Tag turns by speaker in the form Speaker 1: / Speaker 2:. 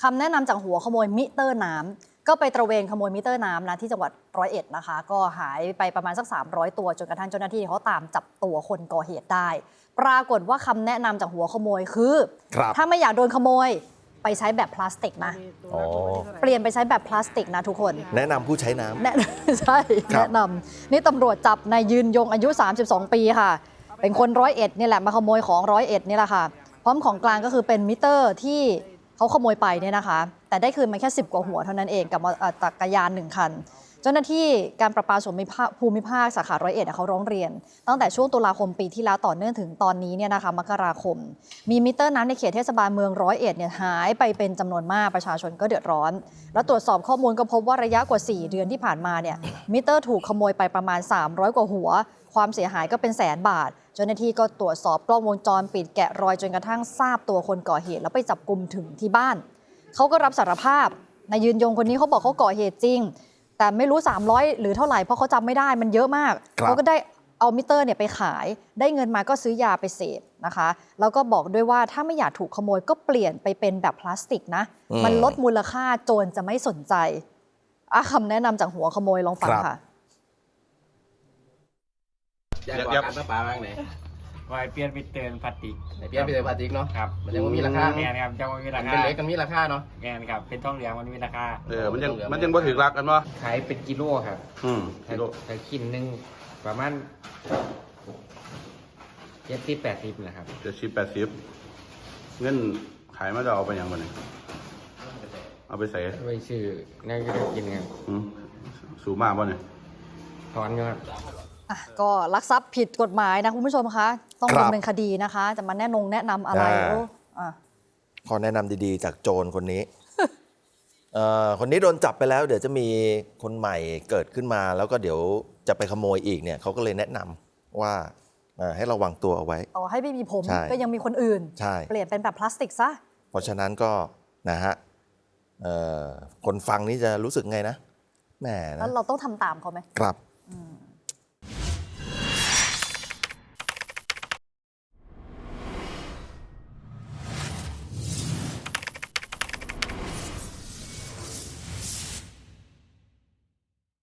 Speaker 1: คำแนะนำจากหัวขโมยมิเตอร์น้ำก็ไปตระเวนขโมยมิเตอร์น้ำนะที่จังหวัด101นะคะก็หายไปประมาณสัก300ตัวจนกระทั่งเจ้าหน้าที่เขาตามจับตัวคนก่อเหตุได้ ปรากฏว่าคำแนะนำจากหัวขโมยคือถ้าไม่อยากโดนขโมยไปใช้แบบพลาสติกนะเปลี่ยนไปใช้แบบพลาสติกนะทุกคน
Speaker 2: แนะนำผู้ใช้น้
Speaker 1: ำใช่แนะนำนี่ตำรวจจับนายยืนยงอายุ32 ปีค่ะเป็นคน101นี่แหละมาขโมยของ101นี่แหละค่ะพร้อมของกลางก็คือเป็นมิเตอร์ที่เขาขโมยไปเนี่ยนะคะแต่ได้คืนมาแค่10 กว่าหัวเท่านั้นเองกับจักรยาน1 คันเจ้าหน้าที่การประปาส่วนภูมิภาคสาขา101เขาร้องเรียนตั้งแต่ช่วงตุลาคมปีที่แล้วต่อเนื่องถึงตอนนี้เนี่ยนะคะมกราคมมีมิเตอร์น้ำในเขตเทศบาลเมือง101เนี่ยหายไปเป็นจำนวนมากประชาชนก็เดือดร้อนแล้วตรวจสอบข้อมูลก็พบว่าระยะกว่า4 เดือนที่ผ่านมาเนี่ยมิเตอร์ถูกขโมยไปประมาณ300 กว่าหัวความเสียหายก็เป็น100,000 บาทเจ้าหน้าที่ก็ตรวจสอบกล้องวงจรปิดแกะรอยจนกระทั่งทราบตัวคนก่อเหตุแล้วไปจับกุมถึงที่บ้านเขาก็รับสารภาพนายยืนยงคนนี้เขาบอกเขาก่อเหตุจริงแต่ไม่รู้300หรือเท่าไหร่เพราะเขาจำไม่ได้มันเยอะมากเขาก็ได้เอามิเตอร์เนี่ยไปขายได้เงินมาก็ซื้อยาไปเสพนะคะแล้วก็บอกด้วยว่าถ้าไม่อยากถูกขโมยก็เปลี่ยนไปเป็นแบบพลาสติกนะมันลดมูลค่าโจรจะไม่สนใจคำแนะนำจากหัวขโมยลองฟังค่ะ
Speaker 3: อยากบอกการประปาบ้างไหน
Speaker 4: วายเปลี่ยนไปเตือนพลาสติก
Speaker 3: เปลี่ยนไปเลยพลาสติกเนาะ
Speaker 4: ครับ
Speaker 3: มันยังไม่มีราคา
Speaker 4: แงนครับยังไม่มีราคา
Speaker 3: เป็นเล็กกันมีราคาเนาะ
Speaker 4: แงนครับเป็นทองเหลืองมันมีราคา
Speaker 5: มันยังบ่ถึงรักกันบ่
Speaker 4: ขายเป็นกิโลครับ
Speaker 5: กิโล
Speaker 4: แต่กินหนึ่งประมาณ70-80แหละครับ
Speaker 5: 70-80เงินขายมาจะเอาไปยังบ่เนี่ยเอาไปใส่
Speaker 4: ไปซื้อนั่นก็กินครับ
Speaker 5: สูงมากบ่เนี่ย
Speaker 4: ถอนครับ
Speaker 1: ก็ลักทรัพย์ผิดกฎหมายนะคุณผู้ชมคะต้องดำเนินคดีนะคะจะมาแนะนำอะไร
Speaker 2: ขอแนะนำดีๆจากโจรคนนี้ คนนี้โดนจับไปแล้วเดี๋ยวจะมีคนใหม่เกิดขึ้นมาแล้วก็เดี๋ยวจะไปขโมยอีกเนี่ยเขาก็เลยแนะนำว่าให้ระวังตัวเอาไว้
Speaker 1: ต่อให้ไม่มีผมก็ยังมีคนอื่นเปลี่ยนเป็นแบบพลาสติกซะ
Speaker 2: เพราะฉะนั้นก็นะฮะคนฟังนี่จะรู้สึกไงนะแหม
Speaker 1: แล้วเราต้องทำตามเขาไหม
Speaker 2: ครับ